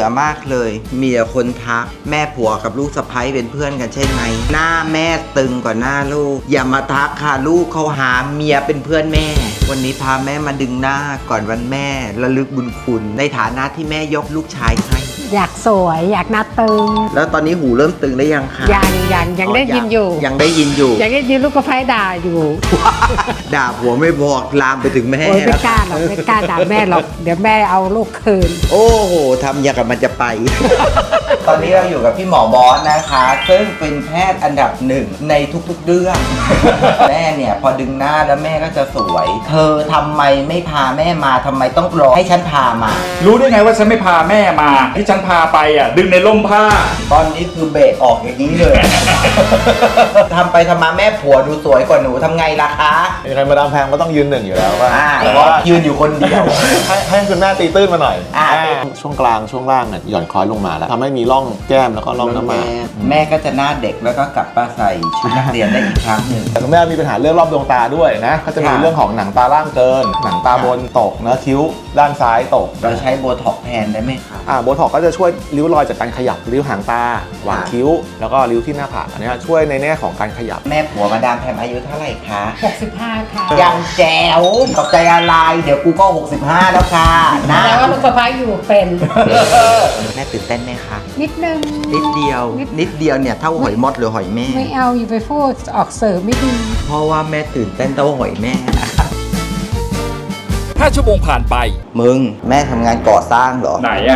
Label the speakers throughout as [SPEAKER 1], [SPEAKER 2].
[SPEAKER 1] อมากเลยมีแต่คนทักแม่ผัวกับลูกสะใภ้เป็นเพื่อนกันใช่ไหมหน้าแม่ตึงกว่าหน้าลูกอย่ามาทักค่ะลูกเขาหาเมียเป็นเพื่อนแม่วันนี้พาแม่มาดึงหน้าก่อนวันแม่ระลึกบุญคุณในฐานะที่แม่ยกลูกชายให้
[SPEAKER 2] อยากสวยอยากหน้าตึง
[SPEAKER 1] แล้วตอนนี้หูเริ่มตึงได้ยังคะ
[SPEAKER 2] ยังได้ยินอยู่
[SPEAKER 1] ยังได้ยินอยู่
[SPEAKER 2] ยังได้ยินลูกกระไฟด่าอยู่
[SPEAKER 1] ด่าผัวไม่บอกลามไปถึงแม่
[SPEAKER 2] โอ้ยไม่กล้าหรอกไม่กล้าด่าแม่หรอกเดี๋ยวแม่เอาลูกคืน
[SPEAKER 1] โอ้โหทำอย่างกับมันจะไป ตอนนี้เราอยู่กับพี่หมอบอสนะคะซึ่งเป็นแพทย์อันดับหนึ่งในทุกๆเรื่อง แม่เนี่ยพอดึงหน้าแล้วแม่ก็จะสวย เธอทำไมไม่พาแม่มาทำไมต้องรอให้ฉันพามา
[SPEAKER 3] รู้ได้ไงว่าฉันไม่พาแม่มาที่ฉันพาไปอ่ะดึงในร่มผ้า
[SPEAKER 1] ตอนนี้คือเบรกออกอย่างนี้เลย ทำไปทำมาแม่ผัวดูสวยกว่าหนูทำไงล่ะคะ
[SPEAKER 4] ยังไงมาดามแพงก็ต้องยืนหนึ่งอยู่แล้วว่า
[SPEAKER 1] แต่ว่ายืนอยู่คนเดียว
[SPEAKER 4] ให้คุณแม่ตีตื้นมาหน่อยช่วงกลางช่วงล่างเนี่ยหย่อนคล้อยลงมาแล้วทำให้มีร่องแก้มแล้วก็ร่องน้ำมา
[SPEAKER 1] แม่ก็จะหน้าเด็กแล้วก็กลับมาใส่ชุดนักเรียนได้อีกครั้งหนึ่ง
[SPEAKER 4] แต่คุณแม่มีปัญหาเรื่องรอบดวงตาด้วยนะก็จะมีเรื่องของหนังตาล่างเกินหนังตาบนตกเนื้อคิ้วด้านซ้ายตก
[SPEAKER 1] เราใช้โบท็อกแทนได้ไหมครับ
[SPEAKER 4] โบท็อกก็จะช่วยริ้วรอยจากการขยับริ้วหางตาหว่างคิ้วแล้วก็ริ้วที่หน้าผากอันนี้ช่วยในแง่ของการขยับ
[SPEAKER 1] แม่ผัวมาดามแพมอายุเท่าไหร่คะ
[SPEAKER 2] 65ค่ะ
[SPEAKER 1] ยังแจ๋วตกใจอะไรเดี๋ยวกูก็65แล้วค่ะนะ
[SPEAKER 2] แต่ว่าลูกสะใภ้อยู่เป็น
[SPEAKER 1] แม่ตื่นเต้นไหมคะ
[SPEAKER 2] นิดนึง
[SPEAKER 1] นิดเดียวเนี่ยเท่าหอยมดหรือหอยแม่
[SPEAKER 2] ไม่เอาอยู่ไปพูดออกเสริมไม่ดี
[SPEAKER 1] เพราะว่าแม่ตื่นเต้นเท่าหอยแม่นะคะ
[SPEAKER 3] 5 ชั่วโมงผ่านไป
[SPEAKER 1] มึงแม่ทำงานก่อสร้างเหรอ
[SPEAKER 3] ไหนอะ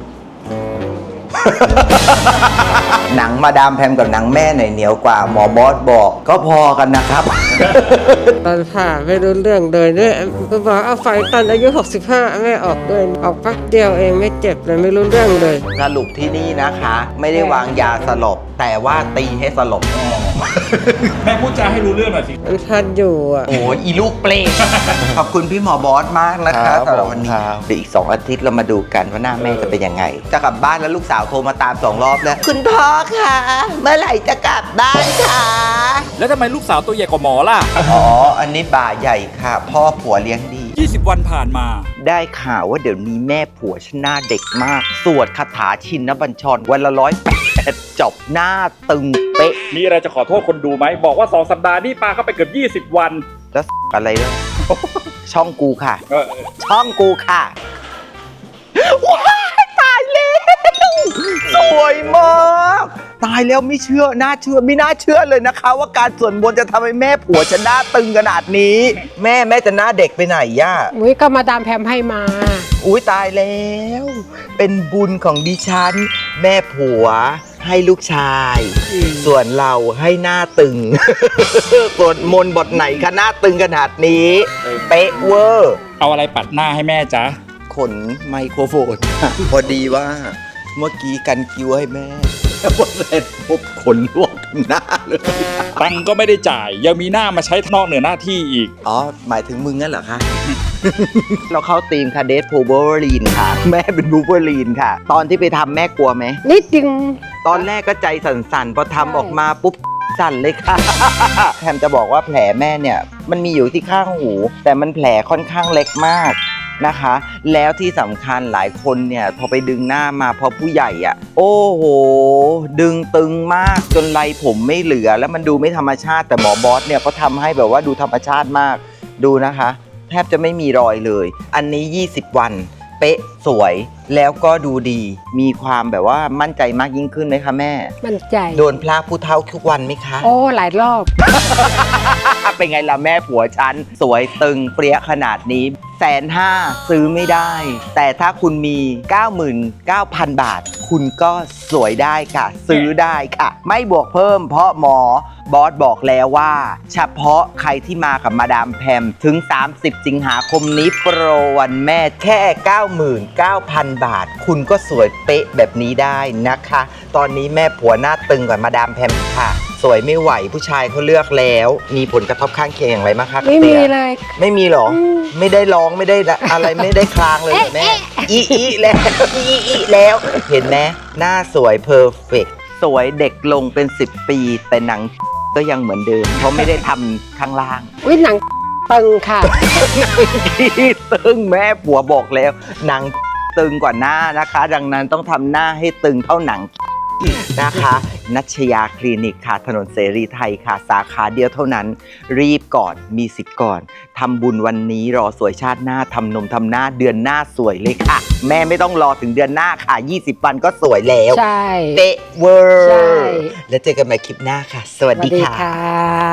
[SPEAKER 1] หนังมาดามแพมกับหนังแม่หน่อยเหนียวกว่าหมอบอสบอกก็พอกันนะครับ
[SPEAKER 5] ตอนผ่าไม่รู้เรื่องเลยเนี่ยก็บอกเอาไฟตอนอายุ65แม่ออกด้วยออกพักเดียวเองไม่เจ็บเลยไม่รู้เรื่องเลย
[SPEAKER 1] สรุปที่นี่นะคะไม่ได้วางยาสลบแต่ว่าตีให้สลบ
[SPEAKER 3] แม่พูดจาให้รู้เรื่องหน่อยสิ
[SPEAKER 5] มันทันอยู่อ่ะ
[SPEAKER 1] โอ้ยอีลูกเปรตขอบคุณพี่หมอบอสมากนะคะสำหรับวันนี้เดี๋ยวอีก2 อาทิตย์เรามาดูกันว่าหน้าแม่จะเป็นยังไงจะกลับบ้านแล้วลูกสาวโทรมาตาม2 รอบแล้วคุณพ่อคะเมื่อไหร่จะกลับบ้านคะ
[SPEAKER 3] แล้วทำไมลูกสาวตัวใหญ่กว่าหมอล่ะ
[SPEAKER 1] อ๋ออันนี้บ่าใหญ่ค่ะพ่อผัวเลี้ยงดี
[SPEAKER 3] 20 วันผ่านมา
[SPEAKER 1] ได้ข่าวว่าเดี๋ยวนี้แม่ผัวฉันหน้าเด็กมากสวดคาถาชินบัญชรวันละ108จบหน้าตึงเป๊ะ
[SPEAKER 3] มีอะไรจะขอโทษคนดูไหมบอกว่า2 สัปดาห์นี่ปาเข้าไปเกือบ20 วัน
[SPEAKER 1] แล้วอะไรด้วย ช่องกูค่ะช่องกูค่ะว้ายตายแล้วสวยมากตายแล้วไม่เชื่อไม่น่าเชื่อเลยนะคะว่าการสวดมนต์จะทำให้แม่ผัวฉันหน้าตึงขนาดนี้แม่จะหน้าเด็กไปไหนย่า
[SPEAKER 2] อุ้ยก็มาดามแพมให้มา
[SPEAKER 1] อุ้ยตายแล้วเป็นบุญของดิฉันแม่ผัวให้ลูกชายส่วนเราให้หน้าตึงสวดมนต์บทไหนคะหน้าตึงขนาดนี้เป๊ะเวอร์
[SPEAKER 3] เอาอะไรปัดหน้าให้แม่จ๊ะ
[SPEAKER 1] ขนไมโครโฟนพอดีว่าเมื่อกี้กันคิ้วให้แม่พอเสร็จปุ๊บขนลวกหน้าเลย
[SPEAKER 3] ตังก็ไม่ได้จ่ายยังมีหน้ามาใช้นอกเหนือหน้าที่อีก
[SPEAKER 1] อ๋อหมายถึงมึงงั้นเหรอคะ เราเข้าธีมค่ะเดทพูเบอร์ลีนค่ะแม่เป็นบูเบอร์ลีนค่ะตอนที่ไปทำแม่กลัวไหม
[SPEAKER 2] นิดนึง
[SPEAKER 1] ตอนแรกก็ใจสั่นๆพอทำออกมาปุ๊บสั่นเลยค่ะแพมจะบอกว่าแผลแม่เนี่ยมันมีอยู่ที่ข้างหูแต่มันแผลค่อนข้างเล็กมากนะคะแล้วที่สำคัญหลายคนเนี่ยพอไปดึงหน้ามาพอผู้ใหญ่อ่ะโอ้โหดึงตึงมากจนไรผมไม่เหลือแล้วมันดูไม่ธรรมชาติแต่หมอบอสเนี่ยเขาทำให้แบบว่าดูธรรมชาติมากดูนะคะแทบจะไม่มีรอยเลยอันนี้20 วันเป๊ะสวยแล้วก็ดูดีมีความแบบว่ามั่นใจมากยิ่งขึ้นไหมคะแม่
[SPEAKER 2] มั่นใจ
[SPEAKER 1] โดนพระผู้เฒ่าทุกวันไหมคะ
[SPEAKER 2] โอ้หลายรอบ
[SPEAKER 1] เป็นไงล่ะแม่ผัวฉันสวยตึงเปรี้ยขนาดนี้150,000ซื้อไม่ได้แต่ถ้าคุณมี 99,000 บาทคุณก็สวยได้ค่ะซื้อได้ค่ะไม่บวกเพิ่มเพราะหมอบอสบอกแล้วว่าเฉพาะใครที่มากับมาดามแพมถึง30 สิงหาคมนี้โปรวันแม่แค่ 99,000 บาทคุณก็สวยเป๊ะแบบนี้ได้นะคะตอนนี้แม่ผัวหน้าตึงกว่ามาดามแพมค่ะสวยไม่ไหวผู้ชายเขาเลือกแล้วมีผลกระทบข้างเคียงอย่างไรบ้างคะ
[SPEAKER 2] ไม่มีเลย
[SPEAKER 1] ไม่มีหรอไม่ได้ร้องไม่ได้อะไรไม่ได้คลางเลยแม่อีแล้วอีแล้วเห็นไหมหน้าสวยเพอร์เฟกต์สวยเด็กลงเป็น10 ปีแต่หนังก็ยังเหมือนเดิมเพราะไม่ได้ทำข้างล่าง
[SPEAKER 2] อุ้ยหนังตึงค่ะ
[SPEAKER 1] หนังที่ตึงแม่ผัวบอกแล้วหนังตึงกว่าหน้านะคะ ดังนั้นต้องทำหน้าให้ตึงเท่าหนังนะคะนัชยาคลินิกค่ะถนนเสรีไทยค่ะสาขาเดียวเท่านั้นรีบก่อนมีสิทธิ์ก่อนทำบุญวันนี้รอสวยชาติหน้าทำนมทำหน้าเดือนหน้าสวยเลยค่ะ แม่ไม่ต้องรอถึงเดือนหน้าค่ะ20 วันก็สวยแล้ว
[SPEAKER 2] ใช่
[SPEAKER 1] เป๊ะเวอ
[SPEAKER 2] ใช่
[SPEAKER 1] ร์แล้วเจอกันใหม่คลิปหน้าค่ะ สวัส
[SPEAKER 2] สวั
[SPEAKER 1] ดี
[SPEAKER 2] สดี
[SPEAKER 1] ค่ะ
[SPEAKER 2] ค่ะ